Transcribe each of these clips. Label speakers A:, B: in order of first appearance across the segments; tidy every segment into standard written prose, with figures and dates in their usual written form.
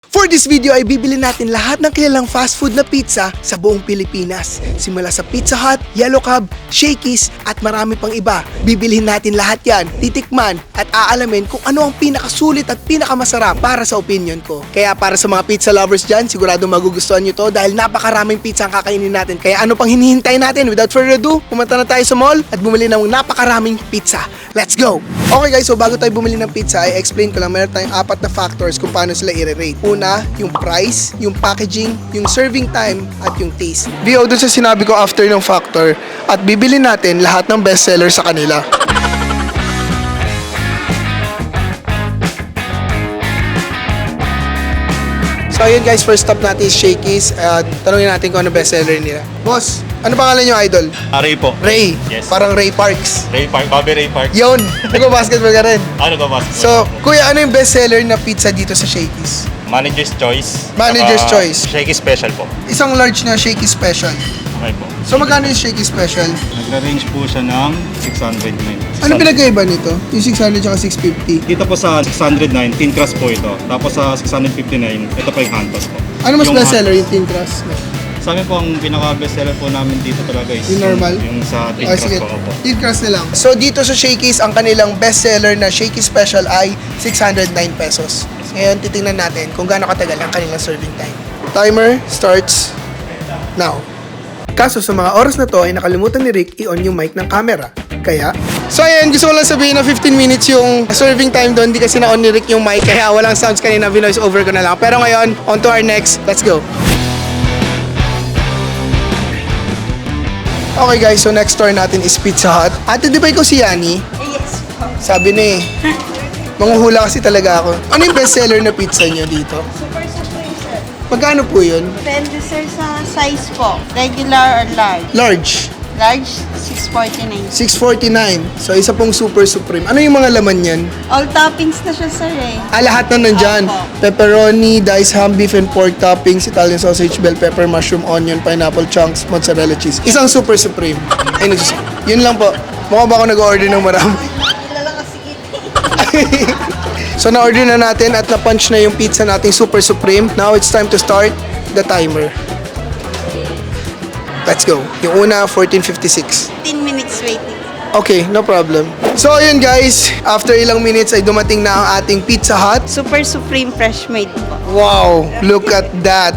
A: For this video ay bibili natin lahat ng kilalang fast food na pizza sa buong Pilipinas. Simula sa Pizza Hut, Yellow Cab, Shakey's at marami pang iba. Bibilihin natin lahat yan, titikman at aalamin kung ano ang pinakasulit at pinakamasarap para sa opinion ko. Kaya para sa mga pizza lovers dyan, sigurado magugustuhan nyo to dahil napakaraming pizza ang kakainin natin. Kaya ano pang hinihintay natin? Without further ado, pumunta na tayo sa mall at bumili ng napakaraming pizza. Let's go! Okay guys, so bago tayo bumili ng pizza, ay explain ko lang, meron tayong 4 na factors kung paano sila i-rate. Una, yung price, yung packaging, yung serving time, at yung taste. Dio, dun sa sinabi ko after ng factor, at bibili natin lahat ng bestseller sa kanila. So ayun guys, first stop natin is Shakey's at tanungin natin kung ano bestseller nila. Boss, ano pangalan nyo, idol?
B: Ray po.
A: Ray.
B: Yes.
A: Parang Ray Parks.
B: Ray Park, Bobby Ray Park.
A: Yun, nag-basketball ka rin.
B: Ano ka ba?
A: So, kuya, ano yung bestseller na pizza dito sa Shakey's?
B: Manager's Choice.
A: Manager's
B: Saka
A: Choice.
B: Shaky Special po.
A: Isang large na Shakey's Special.
B: Okay po.
A: So, magkano yung Shakey's Special?
B: Nagra-range po siya ng 609.
A: Ano pinagkaiba nito? Yung 600 at 650?
B: Dito po sa 609, thin crust po ito. Tapos sa 659, ito po yung hand toss po.
A: Ano mas
B: Yung
A: bestseller, yung thin crust?
B: Sa amin po, ang pinaka-bestseller po namin dito talaga is
A: Yung normal?
B: Yung sa thin
A: Ah,
B: crust
A: sige.
B: po. Opo.
A: Thin crust na lang. So, dito sa Shakey's, ang kanilang bestseller na Shakey's Special ay 609 pesos. Ngayon, titingnan natin kung gaano katagal ang kanilang serving time. Timer starts now. Kaso sa mga oras na to ay nakalimutan ni Rick i-on yung mic ng camera. Kaya, so ayan, gusto ko lang sabihin na 15 minutes yung serving time doon. Hindi kasi na-on ni Rick yung mic kaya walang sounds kanina, vinoise over ko na lang. Pero ngayon, on to our next. Let's go. Okay guys, so next store natin is Pizza Hut. Ate, di ba ikaw si Yani?
C: Yes po.
A: Sabi na eh. Manghuhula kasi talaga ako. Ano yung bestseller na pizza niyo dito?
C: Super supreme, sir.
A: Magkano po yun?
C: Depende, sir, sa size po. Regular or large.
A: Large.
C: Large, 649.
A: 649. So, isa pong super supreme. Ano yung mga laman yan?
C: All toppings na siya, sir, eh.
A: Lahat na nandyan.
C: Opo.
A: Pepperoni, diced ham, beef and pork toppings, Italian sausage, bell pepper, mushroom, onion, pineapple chunks, mozzarella cheese. Isang super supreme. Ay, yun lang po. Mukha ba ako nag-order ng marami?
C: Kilala kasi kita.
A: So, na-order na natin at na-punch na yung pizza nating super supreme. Now, it's time to start the timer. Let's go. Yung una, 14:56.
C: 10 minutes waiting.
A: Okay, no problem. So, ayun guys. After ilang minutes ay dumating na ang ating Pizza Hut.
C: Super supreme fresh made po.
A: Wow, look at that.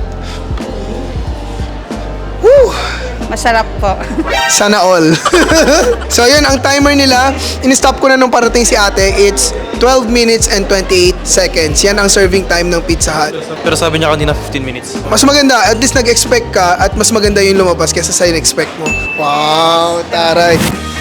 A: Woo!
C: Masarap po.
A: Sana all. So, yun, ang timer nila, in-stop ko na nung parating si ate. It's 12 minutes and 28 seconds. Yan ang serving time ng Pizza Hut.
D: Pero sabi niya kanina 15 minutes.
A: Mas maganda, at least nag-expect ka at mas maganda yung lumabas kaysa sa in-expect mo. Wow, taray.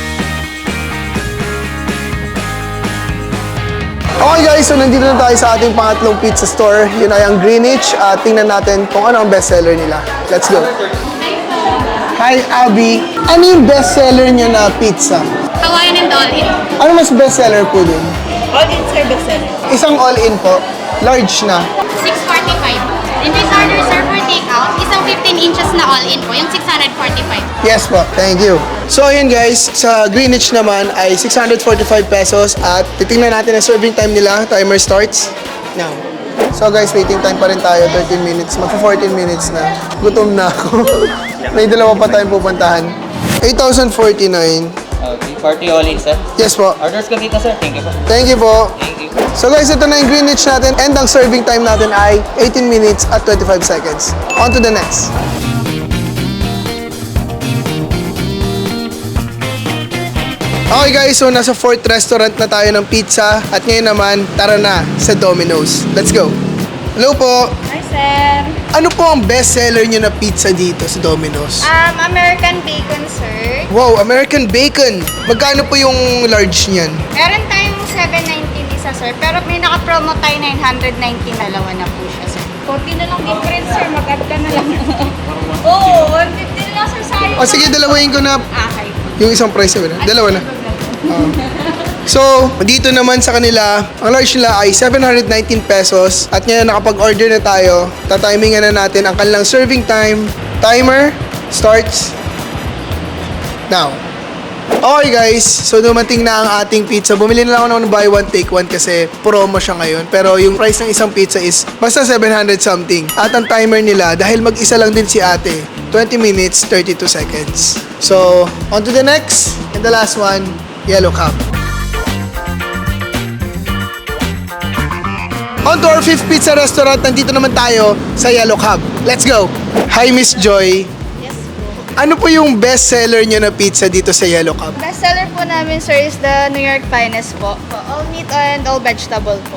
A: Okay guys, so nandito na tayo sa ating pangatlong pizza store. Yun ay ang Greenwich. Tingnan natin kung ano ang bestseller nila. Let's go. Hi, Abby. Ano yung bestseller niyo na pizza?
E: Hawaiian and all-in.
A: Ano mas bestseller po dun?
C: All-in service, sir.
A: Isang all-in po. Large na.
E: 645. In this order, sir, for takeout, isang 15 inches na all-in po, yung 645.
A: Yes po, thank you. So ayun guys, sa Greenwich naman ay 645 pesos at titingnan natin ang serving time nila. Timer starts now. So guys, waiting time pa rin tayo, 13 minutes. Magpa 14 minutes na. Gutom na ako. May dalawa pa tayong pupuntahan. 8,049.
F: Okay, party all in, sir.
A: Yes po.
F: Orders ko dito, sir. Thank you po.
A: Thank you po.
F: Thank you.
A: So guys, ito na yung Greenwich natin and ang serving time natin ay 18 minutes at 25 seconds. On to the next. Okay guys, so nasa 4th restaurant na tayo ng pizza at ngayon naman, tara na sa Domino's. Let's go! Hello po!
G: Hi, sir.
A: Ano po ang best seller nyo na pizza dito sa Domino's?
G: American bacon, sir.
A: Wow, American bacon! Magkano po yung large niyan?
G: Meron tayong 790 isa, sir. Pero may naka-promo tayo 990. Dalawa na po siya, sir. 40 na lang difference, sir. Mag-add ka na lang. Oo, 150 na lang, sir. Sayang.
A: O sige, dalawahin ko na
G: Okay.
A: yung isang price na. Dalawa na. So, dito naman sa kanila, ang large nila ay 719 pesos. At ngayon nakapag-order na tayo. Tatimingan na natin ang kanilang serving time. Timer starts now. Okay guys, so dumating na ang ating pizza. Bumili na lang ako ng buy one take one kasi promo siya ngayon. Pero yung price ng isang pizza is basta 700 something. At ang timer nila, dahil mag-isa lang din si ate, 20 minutes, 32 seconds. So, on to the next. And the last one, Yellow Cab. On to our 5th pizza restaurant. Nandito naman tayo sa Yellow Cab. Let's go! Hi Miss Joy. Ano po yung best seller nyo na pizza dito sa Yellow Cab?
G: Best seller po namin, sir, is the New York Finest po. All meat and all vegetable po.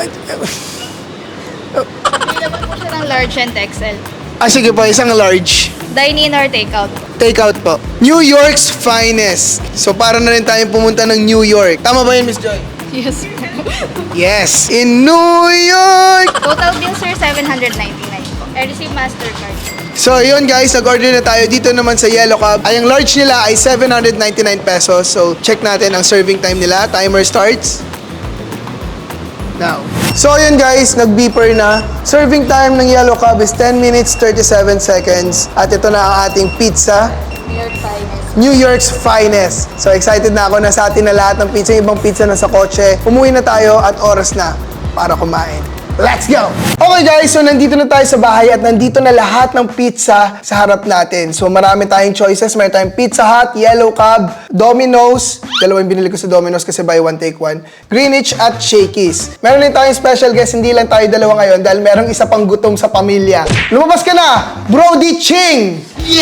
G: Available po siya ng large and XL.
A: Sige po, isang large.
G: Dine-in or take-out po.
A: Take out po. New York's Finest. So para na rin tayong pumunta ng New York. Tama ba yun, Miss Joy?
G: Yes po.
A: Yes! In New York!
G: Total bill, sir, 799 po. I receive MasterCard.
A: So yun guys, nag-order na tayo dito naman sa Yellow Cab. Ay, ang large nila ay 799 pesos. So check natin ang serving time nila. Timer starts now. So yun guys, nag-beeper na. Serving time ng Yellow Cab is 10 minutes 37 seconds. At ito na ang ating pizza.
G: New York Finest.
A: New York's Finest. So excited na ako na sa atin na lahat ng pizza. Yung ibang pizza na sa kotse. Umuwi na tayo at oras na para kumain. Let's go! Okay guys, so nandito na tayo sa bahay at nandito na lahat ng pizza sa harap natin. So marami tayong choices. Meron tayong Pizza Hut, Yellow Cab, Domino's. Dalawa yung binili ko sa Domino's kasi buy one take one. Greenwich at Shakey's. Meron din tayong special guest. Hindi lang tayo dalawa ngayon dahil merong isa pang gutom sa pamilya. Lumabas ka na! Brody Ching!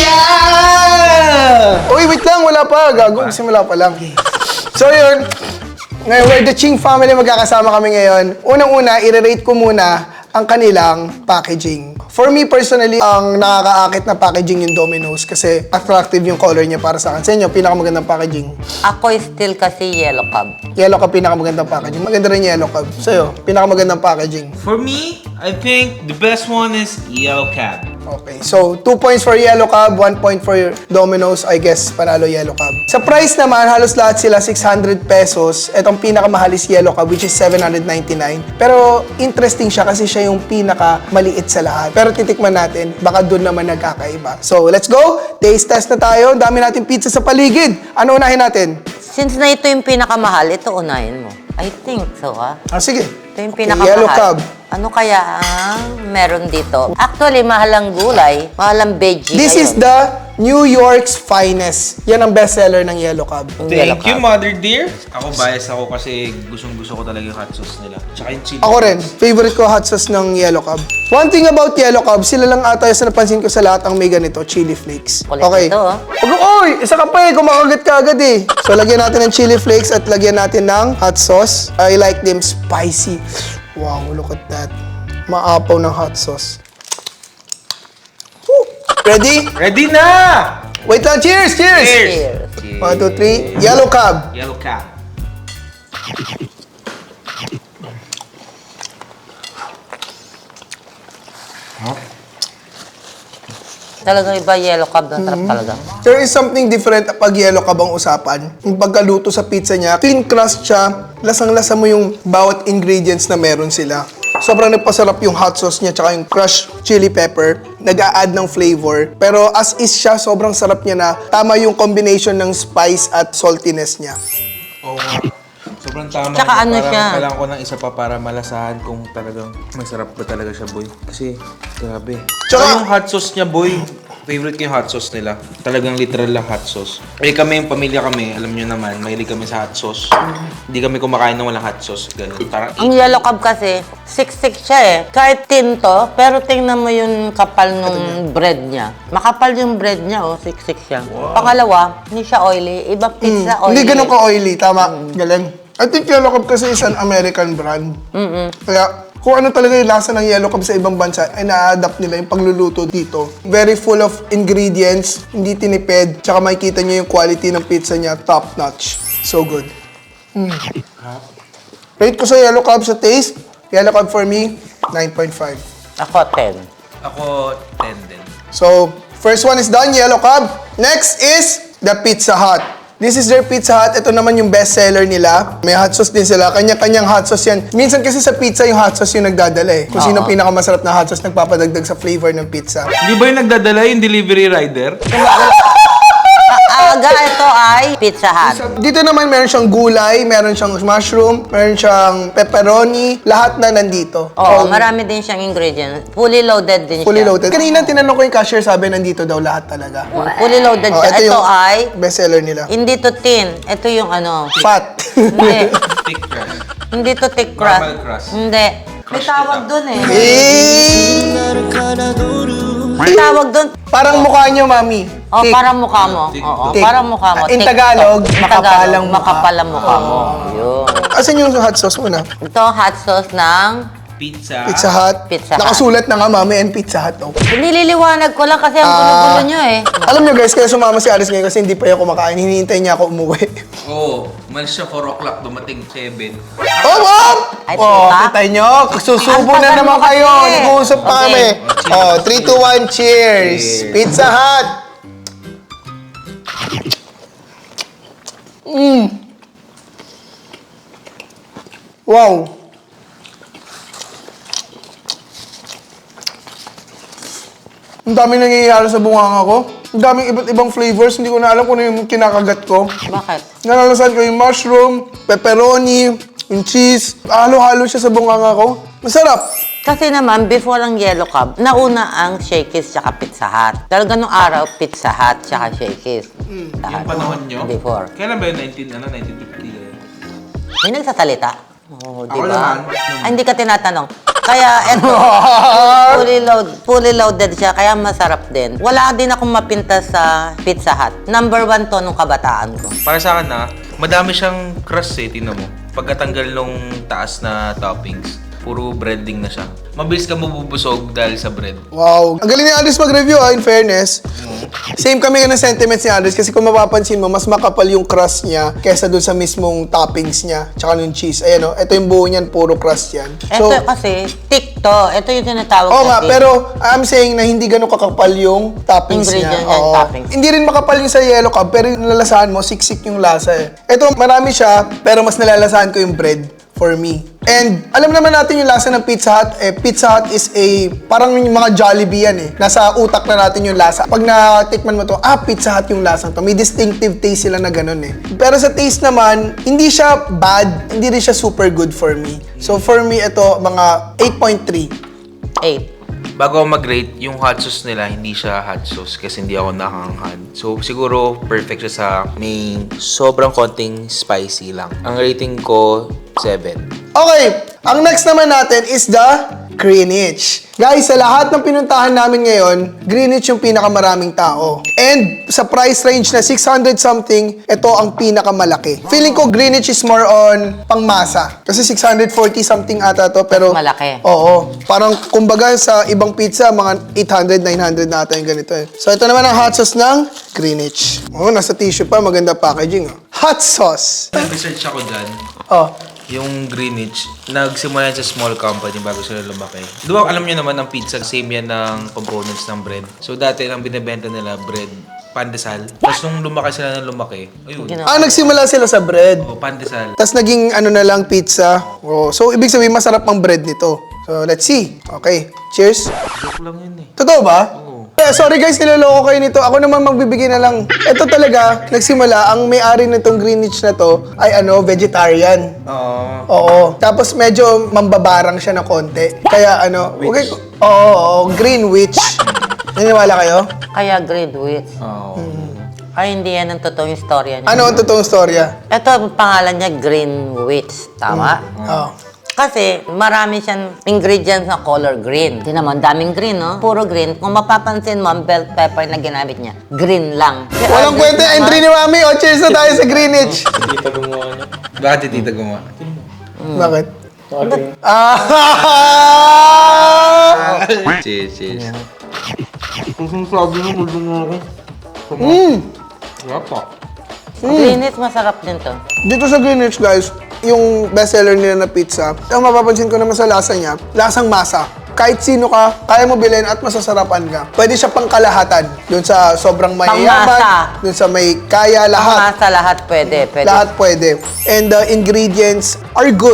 A: Yeah! Uy, wait lang. Wala pa. Gago. Simula pa lang. So yun. Ngayon, we're the Ching family, magkakasama kami ngayon. Unang-una, i-rate ko muna ang kanilang packaging. For me personally, ang nakakaakit na packaging yung Domino's kasi attractive yung color niya para sa akin. Sa inyo, pinakamagandang packaging.
H: Ako still kasi Yellow Cab.
A: Yellow Cab, pinakamagandang packaging. Maganda rin Yellow Cab. Sa'yo, pinakamagandang packaging.
I: For me, I think the best one is Yellow Cab.
A: Okay, so 2 points for Yellow Cab, 1 point for Domino's. I guess, panalo Yellow Cab. Sa price naman, halos lahat sila 600 pesos. Etong pinakamahal is Yellow Cab, which is 799. Pero interesting siya kasi siya yung pinakamaliit sa lahat. Pero titikman natin, baka doon naman nagkakaiba. So, let's go! Taste test na tayo. Dami natin pizza sa paligid. Ano unahin natin?
H: Since na ito yung pinakamahal, ito unahin mo. I think so, ha?
A: Sige.
H: Ito yung
A: Okay,
H: pinakamahal.
A: Yellow Cab.
H: Ano kaya ang meron dito? Actually, mahal ang gulay, mahal ang veggie.
A: This is the New York's Finest. Yan ang bestseller ng Yellow Cab.
I: Thank you, Mother Dear. Ako bias ako kasi gustong-gusto ko talaga yung hot sauce nila. Tsaka yung chili.
A: Ako rin. Favorite ko hot sauce ng Yellow Cab. One thing about Yellow Cab, sila lang ata yung napansin ko sa lahat ang may ganito, chili flakes.
H: Kulit
A: Okay.
H: ito, oh.
A: Oy! Isa ka pa eh, kumakagat ka agad eh. So, lagyan natin ng chili flakes at lagyan natin ng hot sauce. I like them spicy. Wow, look at that. Maapaw ng hot sauce. Woo! Ready?
I: Ready na!
A: Wait lang. Cheers! Cheers!
H: Cheers.
A: 1, 2, 3. Yellow Cab.
I: Yellow Cab.
H: Talagang iba Yellow Cab, ang sarap talaga.
A: There is something different pag Yellow Cab ang usapan. Yung pagkaluto sa pizza niya, clean crust siya, lasang-lasa mo yung bawat ingredients na meron sila. Sobrang nagpasarap yung hot sauce niya tsaka yung crushed chili pepper. Nag-a-add ng flavor. Pero as is siya, sobrang sarap niya na tama yung combination ng spice at saltiness niya.
I: Oo nga. Sobrang tama.
H: Tsaka ano
I: Parang
H: siya?
I: Kailangan ko ng isa pa para malasahan kung talagang masarap ba talaga siya, boy. Kasi, grabe.
A: Tsaka-
I: Yung hot sauce niya, boy. Favorite ko yung hot sauce nila. Talagang literal lang hot sauce. Eh kami, yung pamilya kami, alam nyo naman, mahilig kami sa hot sauce. Hindi kami kumakain ng walang hot sauce. Ganun. Parang
H: Ang Yellow Cab kasi, siksik siya eh. Kahit tinto, pero tingnan mo yung kapal nung bread niya. Makapal yung bread niya, oh. Siksik siya. Pangalawa, hindi siya oily. Ibang pizza oily.
A: Hindi ganun ka-oily, tama. Galing. I think Yellow Cab kasi is an American brand. Kaya kung ano talaga yung lasa ng Yellow Cab sa ibang bansa, ay na-adapt nila yung pagluluto dito. Very full of ingredients, hindi tinipid, tsaka makikita nyo yung quality ng pizza niya, top notch. So good. Rate ko sa Yellow Cab sa taste, Yellow Cab for me, 9.5.
H: Ako, 10.
I: ako, 10 din.
A: So, first one is done, Yellow Cab. Next is the Pizza Hut. This is their Pizza Hut. Ito naman yung best seller nila. May hot sauce din sila. Kanya-kanyang hot sauce yan. Minsan kasi sa pizza, yung hot sauce yung nagdadala eh. Kung sino pinakamasarap na hot sauce, nagpapadagdag sa flavor ng pizza.
I: Di ba yung nagdadala yung delivery rider?
H: Aga, ito ay Pizza Hut.
A: Dito naman meron siyang gulay, meron siyang mushroom, meron siyang pepperoni, lahat na nandito.
H: Oo, marami din siyang ingredients. Fully loaded din
A: Fully
H: siya.
A: loaded. Kanina tinanong ko yung cashier, sabi nandito daw lahat talaga.
H: Fully loaded siya.
A: ito
H: Ito
A: yung
H: ay,
A: bestseller nila.
H: hindi to tin. Ito yung ano.
A: Fat.
H: Hindi.
I: Thick crust.
H: Hindi to thick crust.
I: Normal crust.
H: Hindi. May tawag doon eh. May
A: Eh,
H: tawag doon.
A: parang mukha niyo, mami.
H: Oh,
A: Thick.
H: parang mukha mo. Oo,
A: Thick.
H: parang mukha mo.
A: In
H: Thick
A: Tagalog,
H: to.
A: makapalang mukha.
H: Makapalang mukha mo. Yun.
A: Asan yung hot sauce muna?
H: Ito, hot sauce ng
I: Pizza.
A: Pizza Hut.
H: Pizza Hut.
A: Nakasulat na nga, mami, and Pizza Hut. Oh.
H: Nililiwanag ko lang kasi ang gulo-gulo nyo eh.
A: Alam niyo guys, kaya sumama si Aris ngayon kasi hindi pa ako kumakain. Hinihintay niya ako umuwi.
I: Oo. Umalis siya 4 o'clock, dumating 7.
A: Oh, mom!
H: Ay,
A: Oh,
H: puta.
A: kita niyo. Susubo
H: Ang
A: na
H: tagal
A: naman
H: mo
A: kayo.
H: kasi.
A: Nag-uusap pa
H: Okay.
A: kami. Oh, 3, 2, 1, cheers! Pizza Hut! Wow! Ang daming nangyayari sa bunganga ko. Ang daming iba't ibang flavors. Hindi ko na alam kung ano yung kinakagat ko.
H: Bakit?
A: Nalalasan ko yung mushroom, pepperoni, yung cheese. Halo-halo siya sa bunganga ko. Masarap.
H: Kasi naman, before ang Yellow Cab, nauna ang Shakey's tsaka Pizza Hut. Talaga nung araw, Pizza Hut tsaka Shakey's. Lahat.
I: Yung panahon nyo?
H: Before.
I: Kailan ba yun? 1950 ganyan?
H: May nagsasalita? Oo, di
I: Ako
H: ba?
I: naman.
H: Ay, hindi ka tinatanong. Kaya, eto, fully loaded siya, kaya masarap din. Wala din akong mapinta sa Pizza Hut. Number 1 to nung kabataan ko.
I: Para sa akin madami siyang crust eh, tingnan mo. Pagkatanggal nung taas na toppings, puro breading na siya. Mabilis ka mabubusog dahil sa bread.
A: Wow. Ang galing ni Andres mag-review in fairness. Same kami ng sentiments ni Andres kasi kung mapapansin mo, mas makapal yung crust niya kesa dun sa mismong toppings niya. Tsaka yung cheese. Ayan o, ito yung buo niyan, puro crust yan.
H: Ito kasi, thick to. Ito yung tinatawag
A: Oo
H: na
A: nga,
H: thick.
A: pero I'm saying na hindi ganun kakapal yung toppings niya.
H: Ingredient niya, yung
A: Oo.
H: toppings.
A: Hindi rin makapal yung sa yellow cab, pero yung nalalasahan mo, siksik yung lasa eh. Ito, marami siya, pero mas nalalasahan ko yung bread for me. And alam naman natin yung lasa ng Pizza Hut. Pizza Hut is parang yung mga Jollibee yan eh. Nasa utak na natin yung lasa. Pag natikman mo to, Pizza Hut yung lasang to. May distinctive taste sila na ganun eh. Pero sa taste naman, hindi siya bad, hindi rin siya super good for me. So for me, ito, mga 8.3.
H: 8.
I: Bago ako mag-rate, yung hot sauce nila, hindi siya hot sauce kasi hindi ako nakakanghad. So, siguro perfect siya sa may sobrang konting spicy lang. Ang rating ko, 7.
A: Okay, ang next naman natin is the Greenwich. Guys, sa lahat ng pinuntahan namin ngayon, Greenwich yung pinakamaraming tao. And sa price range na 600 something, ito ang pinakamalaki. Feeling ko Greenwich is more on pangmasa. Kasi 640 something ata to, pero...
H: Malaki.
A: Oo. Parang kumbaga sa ibang pizza, mga 800, 900 na ata yung ganito eh. So ito naman ang hot sauce ng Greenwich. Oh, nasa tissue pa, maganda packaging. Oh. Hot sauce.
I: Nag-research ako dyan.
A: Oh.
I: Yung Greenwich, nagsimula yan sa small company bago sila lumaki. Di ba alam niyo naman ang pizza, same yan ng components ng bread. So dati ang binibenta nila, bread, pandesal. Tapos nung lumaki sila ng lumaki, ayun,
A: Nagsimula sila sa bread.
I: pandesal.
A: Tapos naging ano na lang pizza. Oh, so ibig sabihin masarap ang bread nito. So let's see. Okay, cheers.
I: Joke lang yun eh.
A: Totoo ba? Sorry guys, niloloko kayo nito. Ako naman magbibigay na lang. Ito talaga, nagsimula, ang may-ari nitong Greenwich na to ay vegetarian. Oo. Tapos medyo mambabarang siya na konti. Kaya okay, Greenwich. Naniniwala kayo?
H: Kaya Greenwich. Ay, hindi yan ang totoong istorya niya.
A: Ano ang totoong storya?
H: Ito, ang pangalan niya, Greenwich. Tama?
A: Oh.
H: Kasi marami siyang ingredients na color green. Hindi naman, daming green, no? Puro green. Kung mapapansin mo, ang bell pepper na ginamit niya, green lang. Si
A: Walang
H: Andres
A: kwenta,
H: naman-
A: entry ni Mami. O, cheers na tayo sa Greenwich.
I: Bakit si tita gumawa?
A: Bakit?
I: Cheers, cheers.
H: Greenwich, masarap din to.
A: Dito sa Greenwich, guys, yung bestseller nila na pizza, ang mapapansin ko naman sa lasa niya, lasang masa. Kahit sino ka, kaya mo bilhin at masasarapan ka. Pwede siya pangkalahatan. Doon sa sobrang mayayaman,
H: Pangmasa.
A: doon sa may kaya lahat.
H: Masa lahat pwede.
A: Lahat pwede. And the ingredients are good.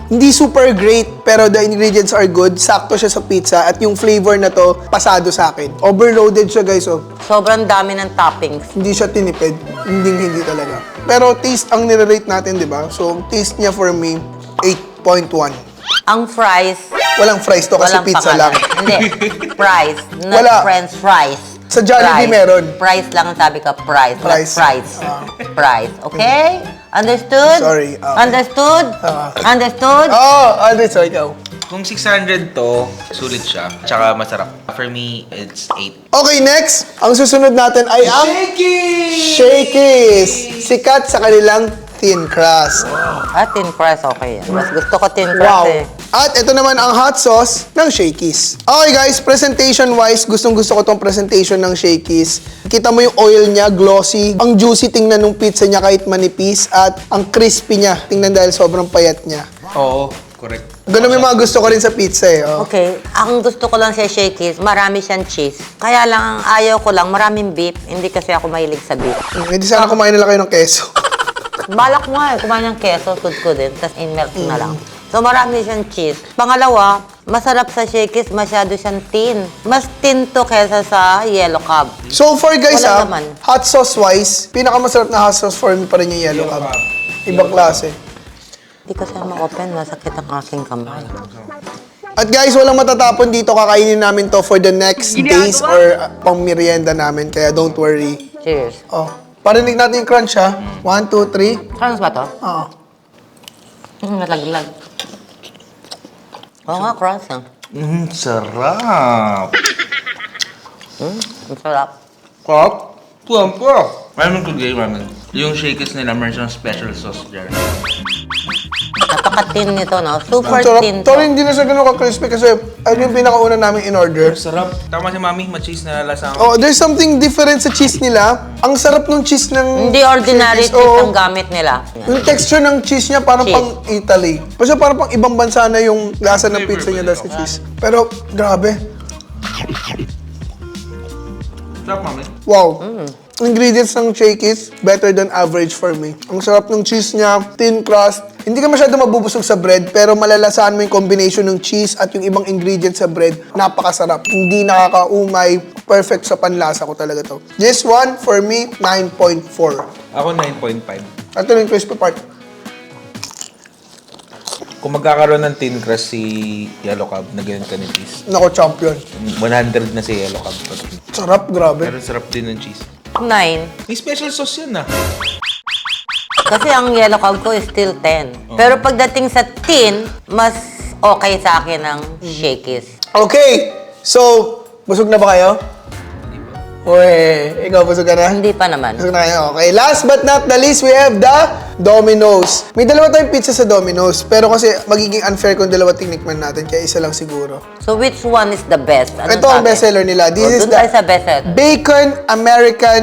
A: Hindi super great, pero the ingredients are good. Sakto siya sa pizza at yung flavor na to, pasado sa akin. Overloaded siya guys, oh.
H: Sobrang dami ng toppings.
A: Hindi siya tinipid. Hindi talaga. Pero taste ang nire-rate natin, di ba? So, taste niya for me, 8.1.
H: Ang fries,
A: Walang fries to kasi
H: walang
A: pizza
H: pangalan.
A: lang.
H: Hindi, fries, not
A: Wala.
H: french fries.
A: Sa Jollibee
H: Fries.
A: meron.
H: Fries lang ang sabi ko, fries,
A: Fries.
H: not fries. Fries, okay? Understood?
A: Sorry, okay.
H: Understood? Understood?
A: Oh, Aldrich, so ikaw.
I: Kung 600 to, sulit siya. Tsaka masarap. For me, it's 8.
A: Okay, next. Ang susunod natin ay ang Shakey's. Sikat sa kanilang thin crust.
H: Thin crust, okay yan. Mas gusto ko thin crust
A: Wow.
H: eh.
A: At ito naman ang hot sauce ng Shakey's. Okay guys, presentation-wise, gustong-gusto ko tong presentation ng Shakey's. Kita mo yung oil niya, glossy. Ang juicy tingnan ng pizza niya kahit manipis. At ang crispy niya, tingnan dahil sobrang payat niya.
I: Oo, correct.
A: Ganun yung mga gusto ko rin sa pizza eh. Oh.
H: Okay, ang gusto ko lang sa Shakey's, marami siyang cheese. Kaya lang, ang ayaw ko lang, maraming beef. Hindi kasi ako mahilig sa beef.
A: Hindi sana kumain nila kayo ng keso.
H: Balak mo nga, kumain ng keso, ko din, tapos in-melt na lang. So, marami siyang cheese. Pangalawa, masarap sa Shakey's, masyado siyang thin. Mas thin to kesa sa Yellow Cab.
A: So far guys
H: Wala naman.
A: hot sauce wise, pinakamasarap na hot sauce for me pa rin yung Yellow Cab. Ibang klase.
H: Hindi ko siya ma-open, masakit ang aking kamay.
A: At guys, walang matatapon dito. Kakainin namin to for the next days or pang merienda namin. Kaya don't worry.
H: Cheers.
A: Oh, parinig natin yung crunch ha. 1, 2, 3.
H: Crunch ba to?
A: Oo.
H: Nalaglag. Oo nga, crunch ah.
I: Sarap.
H: Ang sarap.
I: Kap? Tuwampo. Ramen ko gay ramen. Yung Shakey's nila, meron siyang special sauce dyan.
H: Napaka-thin nito, no? Super
A: Ang sarap.
H: thin to.
A: Pero hindi na siya ganun ka-crispy kasi ayun yung pinakauna namin in order.
I: Sarap. Tama si Mami, ma-cheese na lasa ako.
A: Oh, there's something different sa cheese nila. Ang sarap ng cheese ng
H: Hindi ordinary
A: Shakey's.
H: cheese
A: Oo.
H: ang gamit nila.
A: Yung texture ng cheese niya parang
H: Cheese.
A: pang Italy. Kasi parang pang ibang bansa na yung lasa ng pizza niya dahil sa cheese. Pero grabe.
I: Sarap, Mami.
A: Wow. Ingredients ng Shakey's, better than average for me. Ang sarap ng cheese niya, thin crust. Hindi ka masyado mabubusog sa bread, pero malalasahan mo yung combination ng cheese at yung ibang ingredients sa bread. Napakasarap. Hindi nakakaumay. Perfect sa panlasa ko talaga to. This one, for me, 9.4.
I: Ako 9.5.
A: Ito na yung crispy part.
I: Kung magkakaroon ng thin crust si Yellow Cab na ganyan kanipis,
A: Nako, champion.
I: 100 na si Yellow Cab.
A: Sarap, grabe.
I: Pero sarap din ng cheese.
H: 9.
I: May special sauce yan ah.
H: Kasi ang Yellow Cab ko is still 10. Pero pagdating sa thin, mas okay sa akin ang Shakey's.
A: Okay, so, busog na ba kayo? Uy, ikaw busog ka na?
H: Hindi pa naman.
A: Busog na kayo. Okay, last but not the least, we have the Domino's. May dalawa tayong pizza sa Domino's, pero kasi magiging unfair kung dalawa tinikman natin, kaya isa lang siguro.
H: So which one is the best? Anong
A: Ito ang
H: sabi?
A: bestseller nila. This is
H: Doon
A: the
H: tayo sa bestseller.
A: Bacon American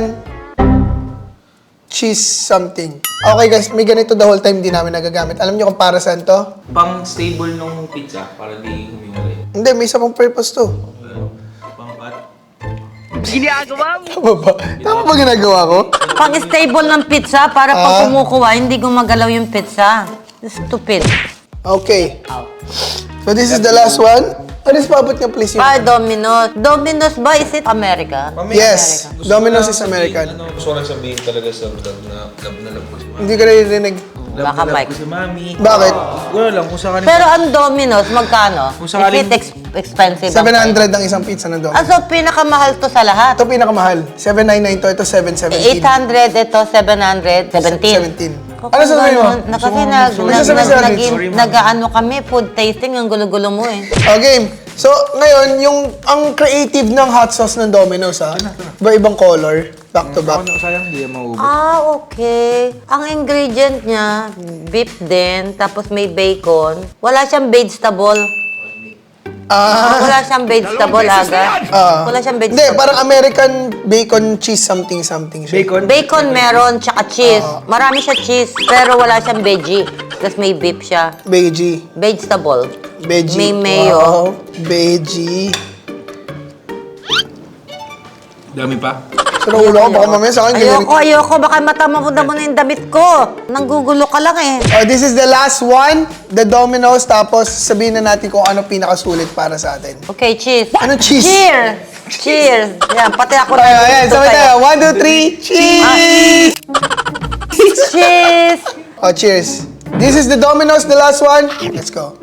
A: Cheese something. Okay guys, may ganito the whole time di namin nagagamit. Alam niyo kung para saan to?
I: Pang stable nung pizza para di humiwalay.
A: Hindi, may isa pang purpose to.
I: Pang pat.
A: Tama ba? Tama ba ginagawa ko?
H: Pang-stable ng pizza para pag kumukuha, hindi gumagalaw yung pizza. Stupid.
A: Okay. So this is the last one. Ano is paabot niya please yung...
H: Domino's. Domino's ba? Is it America?
A: Yes, Domino's is American.
I: Gusto ko lang sabihin talaga sa love na love ko si Mami.
A: Hindi ko naririnig.
H: Baka Mike.
I: Si Mami.
A: Bakit?
I: Wala lang kung sa kanila.
H: Pero ang Domino's, magkano?
I: Kung sakaling-
H: Is it expensive? ang price?
A: 700 ang isang pizza ng Domino's.
H: So, pinakamahal to sa lahat.
A: Ito pinakamahal. 799 to, ito 717.
H: 800, ito 700, 17.
A: 17. Ano sasabihin mo?
H: Na kasi
A: May sasabihin si Alex.
H: nag-ano kami, food tasting, ang gulo-gulo mo eh.
A: Okay. So, ngayon, ang creative ng hot sauce ng Domino's, ha? Iba-ibang color, back to back.
I: Sayang, di yan maubos.
H: Okay. Ang ingredient niya, beef din, tapos may bacon. Wala siyang vegetable. Wala siyang vegetable, aga. Wala siyang
A: Hindi,
H: vegetable.
A: parang American bacon cheese something siya.
H: Bacon meron, tsaka cheese. Marami siya cheese, pero wala siyang veggie. Tapos may beef siya.
A: Veggie.
H: Vegetable.
A: Veggie.
H: May mayo.
A: Wow. Veggie.
I: Dami pa.
A: Sa ulo ko, baka mamaya sa akin.
H: Ayoko. Baka matama mo na yung damit ko. Nanggugulo ka lang eh.
A: This is the last one, the Domino's. Tapos sabihin na natin kung ano pinakasulit para sa atin.
H: Okay, cheers.
A: Anong cheese?
H: Cheers! Cheers! Yan, pati ako
A: Ayan,
H: dito
A: sabay
H: sa'yo.
A: tayo. 1, 2, 3, cheese!
H: Cheers!
A: Oh, cheers. This is the Domino's, the last one. Let's go.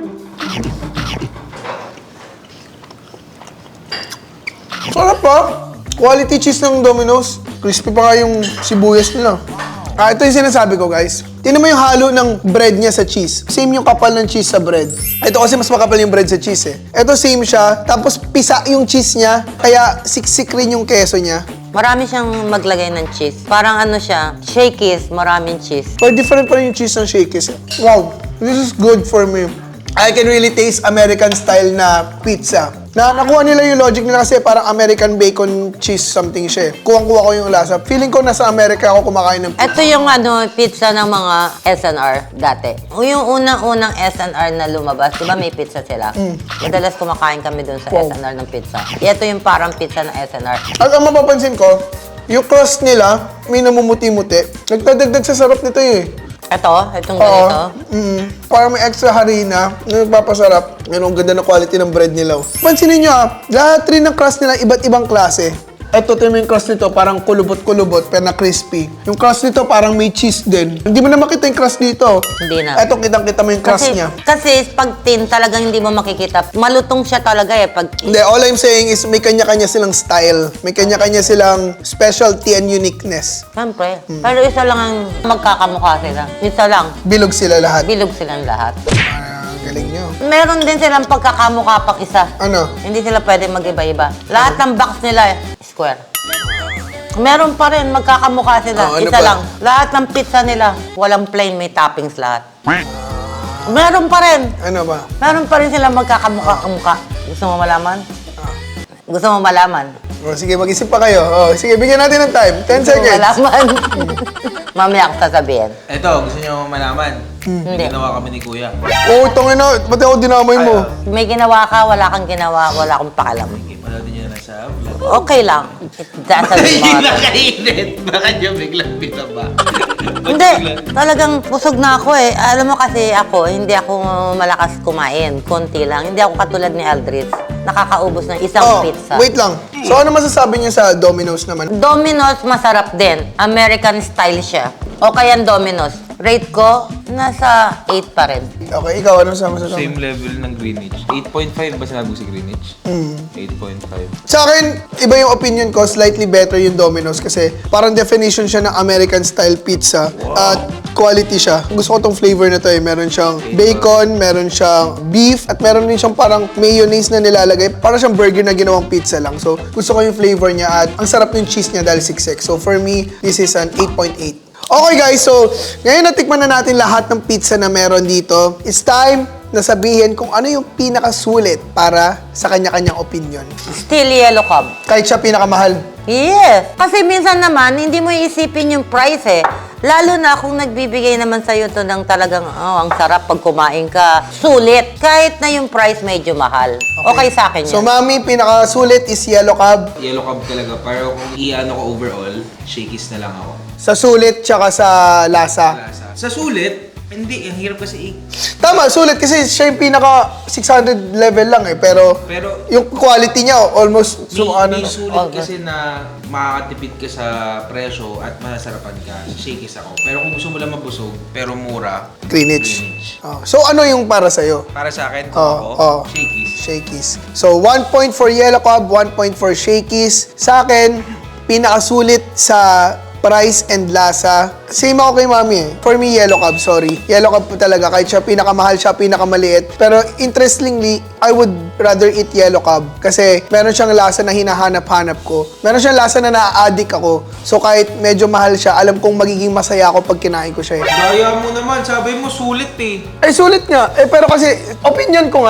A: Sarap pa. Quality cheese ng Domino's. Crispy pa nga yung sibuyas nila. Ito yung sinasabi ko, guys. Tingnan mo yung halo ng bread niya sa cheese. Same yung kapal ng cheese sa bread. Ito kasi mas makapal yung bread sa cheese eh. Ito same siya. Tapos pisa yung cheese niya. Kaya siksik rin yung keso niya.
H: Marami siyang maglagay ng cheese. Parang ano siya, shakies, maraming cheese.
A: But different pa rin yung cheese ng Shakey's. Wow, this is good for me. I can really taste American style na pizza. Nakuha nila yung logic nila kasi parang American bacon cheese something siya eh. Kuwang-kuha ko yung lasa. Feeling ko nasa Amerika ako kumakain ng pizza.
H: Ito yung pizza ng mga SNR dati. Yung unang-unang SNR na lumabas, di ba may pizza sila? Madalas kumakain kami dun sa SNR ng pizza. Ito yung parang pizza ng SNR.
A: At ang mapapansin ko, yung crust nila, may namumuti-muti. Nagdadagdag sa sarap nito eh.
H: Itong ganito.
A: Parang may extra harina na nagpapasarap. Yan ang ganda na quality ng bread nila. Pansinin nyo lahat rin ng crust nila iba't ibang klase. Ito, yung crust nito, parang kulubot-kulubot, pero na crispy. Yung crust nito, parang may cheese din. Hindi mo na makita yung crust dito.
H: Hindi na.
A: Ito, kitang-kita mo yung crust niya.
H: Kasi pag tin, talagang hindi mo makikita. Malutong siya talaga eh. Pag
A: Hindi, all I'm saying is may kanya-kanya silang style. May kanya-kanya silang specialty and uniqueness.
H: Siyempre. Pero isa lang ang magkakamukha sila. Isa lang.
A: Bilog sila lahat.
H: Bilog silang lahat.
A: Galing nyo.
H: Meron din silang pagkakamukha pang isa.
A: Ano?
H: Hindi sila pwede mag-iba-iba. Lahat ng box nila square. Meron pa rin, magkakamukha sila.
A: Oh, ano
H: isa
A: pa?
H: lang. Lahat ng pizza nila, walang plain, may toppings lahat. Meron pa rin.
A: Ano ba?
H: Meron pa rin silang magkakamukha-kamukha. Gusto mo malaman? Gusto mo malaman?
A: Oh, sige, mag-isip pa kayo. Oh, sige, bigyan natin ng time. 10
H: Gusto mo
A: seconds.
H: malaman? Mamaya ako sasabihin.
I: Ito, gusto niyo malaman?
H: Hindi.
I: Ginawa kami ni Kuya.
A: Oh, tangin na. Ba't ako dinamay mo?
H: May ginawa ka, wala kang ginawa, wala akong pakalam.
I: Panoodin niyo na sa vlog.
H: Okay lang. It doesn't matter.
I: Nakainit! Baka niyo biglang pinaba.
H: Hindi, talagang busog na ako eh. Alam mo kasi ako, hindi ako malakas kumain. Konti lang. Hindi ako katulad ni Aldrich. Nakakaubos ng isang pizza.
A: Wait lang. So, ano masasabi niyo sa Domino's naman?
H: Domino's masarap din. American style siya. O kaya Domino's. Rate ko, nasa 8 pa rin.
A: Okay, ikaw, ano masasabi?
I: Same level ng Greenwich. 8.5 ba sinabi ko si Greenwich? 8.5.
A: Sa akin, iba yung opinion ko. Slightly better yung Domino's kasi parang definition siya ng American style pizza. At quality siya. Gusto ko tong flavor na to eh. Meron siyang bacon, meron siyang beef, at meron din siyang parang mayonnaise na nilalagay. Parang siyang burger na ginawang pizza lang. So, gusto ko yung flavor niya at ang sarap yung cheese niya dahil siksik. So, for me, this is an 8.8. Okay guys, so ngayon natikman na natin lahat ng pizza na meron dito. It's time na sabihin kung ano yung pinakasulit para sa kanya-kanyang opinion.
H: Still yellow cub.
A: Kahit siya pinakamahal.
H: Yes. Kasi minsan naman, hindi mo iisipin yung price eh. Lalo na kung nagbibigay naman sa'yo to ng talagang, ang sarap pag kumain ka. Sulit. Kahit na yung price medyo mahal. Okay sa akin yun.
A: So mami, pinakasulit is yellow cab.
I: Yellow cab talaga. Pero kung i-ano ko overall, shakies na lang ako.
A: Sa sulit, tsaka sa lasa.
I: Sa sulit, hindi. Ang hirap kasi
A: Tama, sulit kasi siya yung pinaka 600 level lang eh. Pero yung quality niya almost
I: may sulit kasi na makakatipid ka sa presyo at masasarapan ka. Shakies ako. Pero kung gusto mo lang mabusog, pero mura,
A: Greenwich. So ano yung para sa'yo?
I: Para sa akin, kung ako, shakies.
A: Shakey's. So 1 point for yellow cab, 1 point for Shakey's. Sa akin, pinakasulit sa price and lasa. Same ako kay mami eh. For me, yellow cab, sorry. Yellow cab po talaga. Kahit siya pinakamahal, siya pinakamaliit. Pero interestingly, I would rather eat yellow cab. Kasi meron siyang lasa na hinahanap-hanap ko. Meron siyang lasa na na-addict ako. So kahit medyo mahal siya, alam kong magiging masaya ako pag kinain ko siya eh.
I: Gaya mo naman, sabi mo sulit eh.
A: Eh, sulit nga. Eh, pero kasi, opinion ko.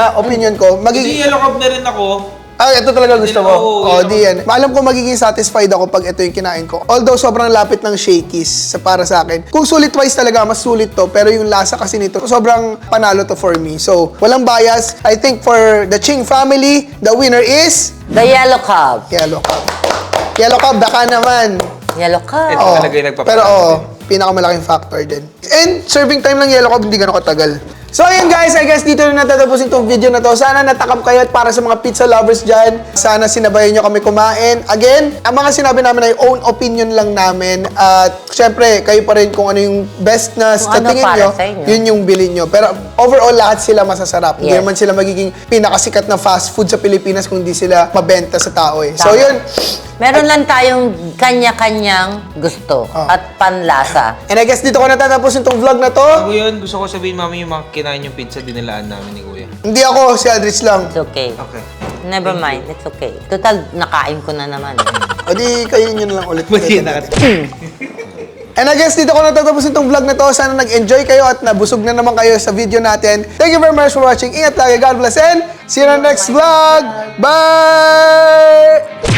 I: Hindi yellow cab na rin ako.
A: Ito talaga gusto mo. Di yan.
I: yun.
A: Alam ko magiging satisfied ako pag ito yung kinain ko. Although sobrang lapit ng Shakey's para sa akin. Kung sulit-wise talaga, mas sulit to. Pero yung lasa kasi nito, sobrang panalo to for me. So, walang bias. I think for the Ching family, the winner is
H: The yellow cub.
A: yellow cab. Yellow Cab, baka naman.
H: Yellow ka.
I: Ito
A: Oo.
I: talaga yung nagpapalaki.
A: Pero pinakamalaking factor din. And serving time ng Yellow Cab, hindi gano'ng katagal. So ayun guys, I guess dito na natatapusin itong video na to. Sana natakam kayo at para sa mga pizza lovers dyan, sana sinabayan nyo kami kumain. Again, ang mga sinabi namin ay own opinion lang namin. At syempre, kayo pa rin kung ano yung best na sa
H: ano
A: tingin
H: para
A: nyo,
H: sa inyo.
A: yun yung bilhin nyo. Pero overall, lahat sila masasarap. Hindi
H: Yes.
A: naman sila magiging pinakasikat na fast food sa Pilipinas kung di sila mabenta sa tao eh. So
H: Tama.
A: yun.
H: Meron lang tayong kanya-kanyang gusto at panlasa.
A: And I guess dito ko natatapusin itong vlog na to.
I: Bago yun, gusto ko sabihin, mami, yung mga kinain yung pizza, dinilaan namin ni Kuya.
A: Hindi ako, si Aldrich lang.
H: It's okay.
I: Okay.
H: Never mind, it's okay. Total, nakain ko na naman.
A: O di, kayo yun lang ulit.
I: Mali na.
A: And I guess dito ko natatapusin itong vlog na to. Sana nag-enjoy kayo at nabusog na naman kayo sa video natin. Thank you very much for watching. Ingat lagi. God bless and see you in the next vlog. Bye!